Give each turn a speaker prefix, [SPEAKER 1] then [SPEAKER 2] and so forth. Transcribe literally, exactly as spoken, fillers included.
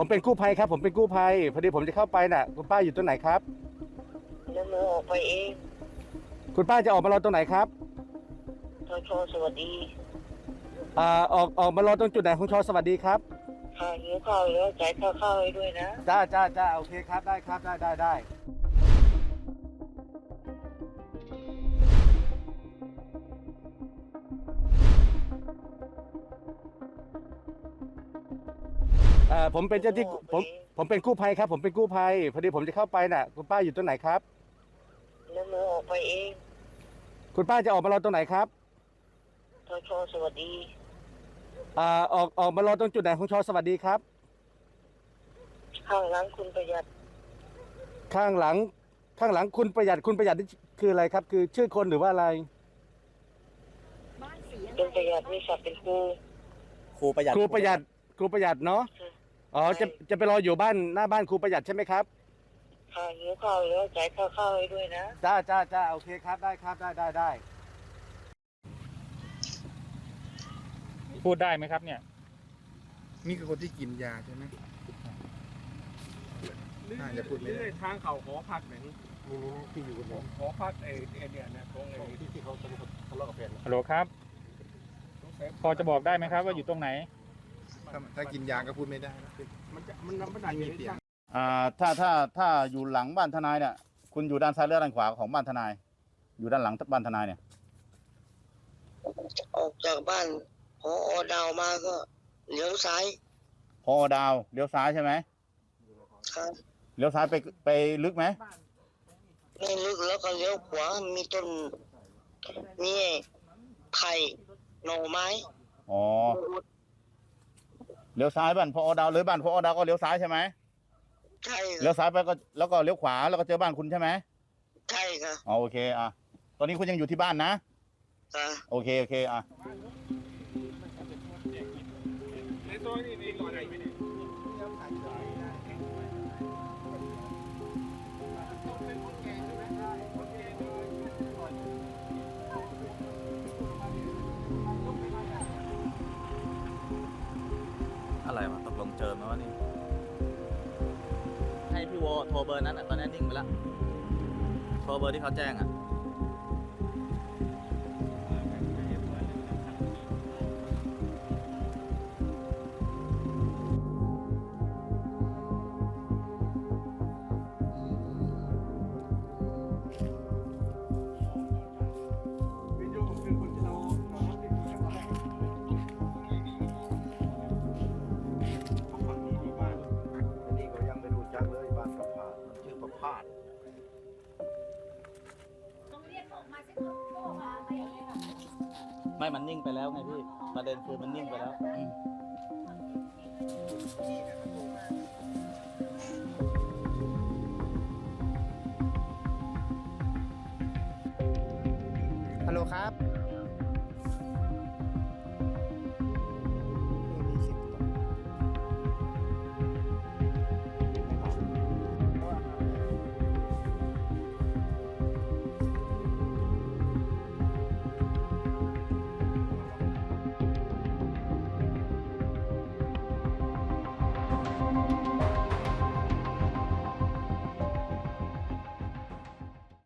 [SPEAKER 1] ผมเป็นกู้ภัยครับผมเป็นกู้ภัยพอดีผมจะเข้าไปน่ะคุณป้าอยู่ตรงไหนครับ
[SPEAKER 2] แล้วหนูออกไปเอง
[SPEAKER 1] คุณป้าจะออกมารอตรงไหนครับ
[SPEAKER 2] ทอชอสวัสดี
[SPEAKER 1] อ่าออกออกมารอตรงจุดไหนของชอสวัสดีครับ
[SPEAKER 2] ค่ะหิวข้าวแล้วจ่ายค่าข้าวให้ด้วยนะ
[SPEAKER 1] จ้าจ้าจ้าโอเคครับได้ครับได้ได้ได้เอ่อผมเป็นเจ้าที่ผมผมเป็นกู้ภัยครับผมเป็นกู้ภัยพอดีผมจะเข้าไปน่ะคุณป้าอยู่ตรงไหนครับ
[SPEAKER 2] แล้วหนูออกไปเอง
[SPEAKER 1] คุณป้าจะออกมารอตรงไหนครับ
[SPEAKER 2] ทอชอสวัสดี
[SPEAKER 1] อ่าออกออกมารอตรงจุดไหนของชอสวัสดีครับ
[SPEAKER 2] ข้างหลังคุณประหยัด
[SPEAKER 1] ข้างหลังข้างหลังคุณประหยัดคุณประหยัดนี่คืออะไรครับคือชื่อคนหรือว่าอะไร
[SPEAKER 2] เป็นประหยัดมีศักดิ์เป็นครู
[SPEAKER 3] ครูประหยัด
[SPEAKER 1] ครูประหยัดครูประหยัดเนาะอ๋อจะจะไปรออยู่บ้านหน้าบ้านครูประหยัดใช่ไหมครับ
[SPEAKER 2] ค่ะหิวข้าวแล้วจ่ายค่าข้าวให้ด้วยนะ
[SPEAKER 1] จ้าจ้าจ้าโอเคครับได้ครับได้ได้ได้
[SPEAKER 4] พูดได้ไหมครับเนี่ย
[SPEAKER 5] นี่คือคนที่กินยาใช่ไหมน่าจะพูดไม่ได้
[SPEAKER 6] ทางเขาหอพักไหนนี่
[SPEAKER 1] ที่อยู่กัน
[SPEAKER 6] หอพักไอ้เนี่ยนะตรงไอ้
[SPEAKER 1] ที่ที่เขาทะเลาะกับแฟน
[SPEAKER 4] ฮัลโหลครับพอจะบอกได้ไหมครับว่าอยู่ตรงไหน
[SPEAKER 5] ถ้าถ้ากินยาก็พูดไม่ได้
[SPEAKER 6] มันจะมันมันไม่มีเสียง
[SPEAKER 3] อ่าถ้าถ้าถ้าอยู่หลังบ้านทนายเนี่ยคุณอยู่ด้านซ้ายหรือด้านขวาของบ้านทนาย อยู่ด้านหลังบ้านทนายเนี่ย
[SPEAKER 2] ออกจากบ้านพอดาวมาก็เลี้ยวซ้าย
[SPEAKER 3] พอดาวเลี้ยวซ้ายใช่ไหม
[SPEAKER 2] ครับ
[SPEAKER 3] เลี้ยวซ้ายไปไปลึกไหม
[SPEAKER 2] ไม่ลึกแล้วก็เลี้ยวขวามีต้นนี่ไผ่หน่อไม้
[SPEAKER 3] อ๋อเลี้ยวซ้ายบ้านพอดาวเลยบ้านพอดาวก็เลี้ยวซ้ายใช่ไหม
[SPEAKER 2] ใช่
[SPEAKER 3] เลี้ยวซ้ายไปก็แล้วก็เลี้ยวขวาแล้วก็เจอบ้านคุณใช่ไหม
[SPEAKER 2] ใช่ครับ
[SPEAKER 3] อ๋อโอเคอ่ะตอนนี้คุณยังอยู่ที่บ้านนะโอเคโอเคอ่ะ
[SPEAKER 6] ในตัวนี้มีตัวไหนไหมเนี่ย
[SPEAKER 3] อะไรวะตกลงเจอไหมวะนี่ให้พี่โวโทรเบอร์นั้นอ่ะตอนนี้นิ่งไปแล้วโทรเบอร์ที่เขาแจ้งอ่ะไม่มันนิ่งไปแล้วไงพี่ประเด็นคือมันนิ่งไปแล้ว